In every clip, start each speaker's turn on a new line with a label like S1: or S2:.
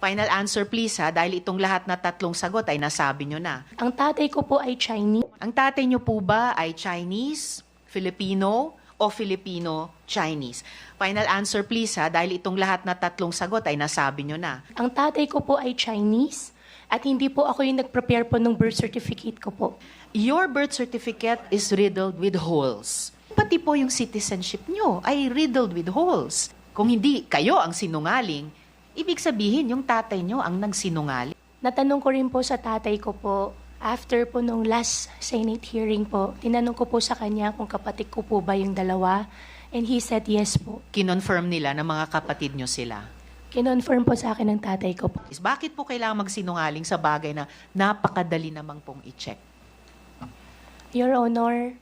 S1: Final answer please ha, dahil itong lahat na tatlong sagot ay nasabi nyo na.
S2: Ang tatay ko po ay Chinese.
S1: Ang tatay nyo po ba ay Chinese, Filipino, o Filipino-Chinese? Final answer please ha, dahil itong lahat na tatlong sagot ay nasabi nyo na.
S2: Ang tatay ko po ay Chinese at hindi po ako yung nag-prepare po ng birth certificate ko po.
S1: Your birth certificate is riddled with holes. Pati po yung citizenship nyo ay riddled with holes. Kung hindi kayo ang sinungaling, ibig sabihin yung tatay nyo ang nagsinungaling.
S2: Natanong ko rin po sa tatay ko po, after po nung last Senate hearing po, tinanong ko po sa kanya kung kapatid ko po ba yung dalawa, and he said yes po.
S1: Kinonfirm nila na mga kapatid nyo sila.
S2: Kinonfirm po sa akin ng tatay ko po.
S1: Bakit po kailangan magsinungaling sa bagay na napakadali namang pong i-check?
S2: Your Honor,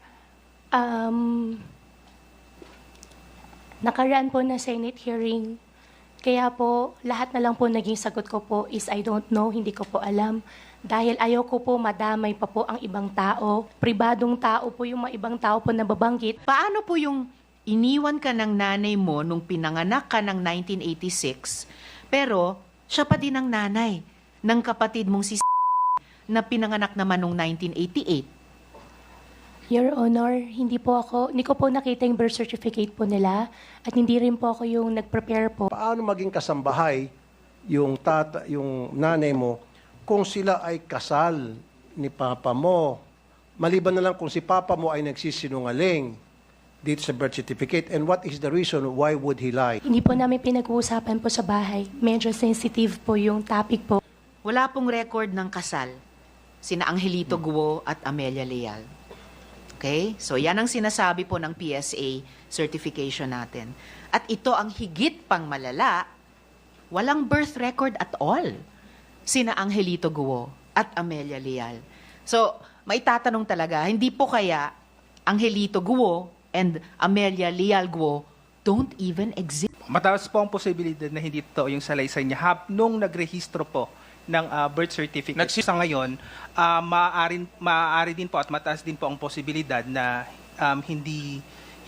S2: nakaraan po na Senate hearing, kaya po lahat na lang po naging sagot ko po is I don't know, hindi ko po alam. Dahil ayaw ko po madamay pa po ang ibang tao. Pribadong tao po yung mga ibang tao po na babanggit.
S1: Paano po yung iniwan ka ng nanay mo nung pinanganak ka ng 1986, pero siya pa din ang nanay ng kapatid mong si na pinanganak naman nung 1988?
S2: Your Honor, hindi ko po nakita yung birth certificate po nila at hindi rin po ako yung nag-prepare po.
S3: Paano maging kasambahay yung nanay mo kung sila ay kasal ni papa mo? Maliban na lang kung si papa mo ay nagsisinungaling dito sa birth certificate, and what is the reason why would he lie?
S2: Hindi po namin pinag-uusapan po sa bahay. Medyo sensitive po yung topic po.
S1: Wala pong record ng kasal sina Angelito Guo at Amelia Leal. Okay? So yan ang sinasabi po ng PSA certification natin. At ito ang higit pang malala, walang birth record at all sina Angelito Guo at Amelia Leal. So, may tatanong talaga, hindi po kaya Angelito Guo and Amelia Leal Guo don't even exist?
S4: Mataas po ang posibilidad na hindi totoo yung salaysay niya nung nagrehistro po ng birth certificate. Sa ngayon, maaari din po at mataas din po ang posibilidad na hindi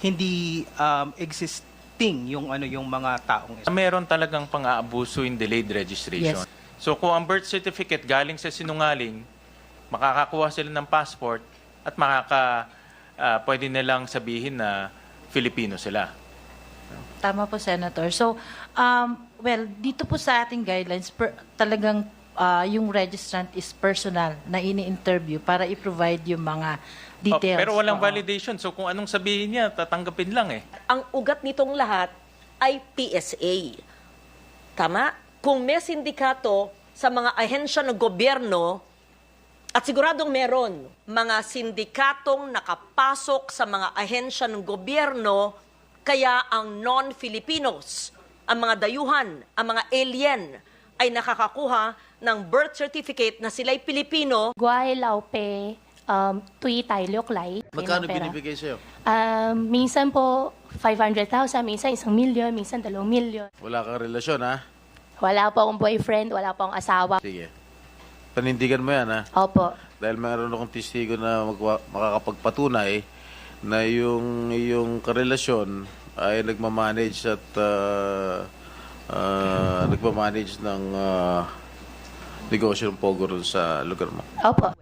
S4: existing yung mga taong ito.
S5: Meron talagang pang-aabuso in delayed registration.
S1: Yes.
S5: So kung ang birth certificate galing sa sinungaling, makakakuha sila ng passport at pwede nilang sabihin na Filipino sila.
S6: Tama po, Senator. So, dito po sa ating guidelines, talagang yung registrant is personal na ini-interview para i-provide yung mga details.
S5: Pero walang validation. So kung anong sabihin niya, tatanggapin lang eh.
S7: Ang ugat nitong lahat ay PSA. Tama? Kung may sindikato sa mga ahensya ng gobyerno, at siguradong meron, mga sindikatong nakapasok sa mga ahensya ng gobyerno, kaya ang non-Filipinos, ang mga dayuhan, ang mga alien, ay nakakakuha ng birth certificate na sila'y Pilipino.
S2: Guay, Laupe, Tui, Tai, Lioklay.
S8: Magkano binibigay sa'yo?
S2: Minsan po 500,000, minsan 1 milyon, minsan 2 milyon.
S8: Wala kang relasyon, ha?
S2: Wala po akong boyfriend, wala po akong asawa.
S8: Sige. Panindigan mo yan, ha?
S2: Opo.
S8: Dahil mayroon akong testigo na makakapagpatunay na yung karelasyon ay nagmamanage at nagmamanage ng negosyo ng Pogo sa lugar mo.
S2: Opo.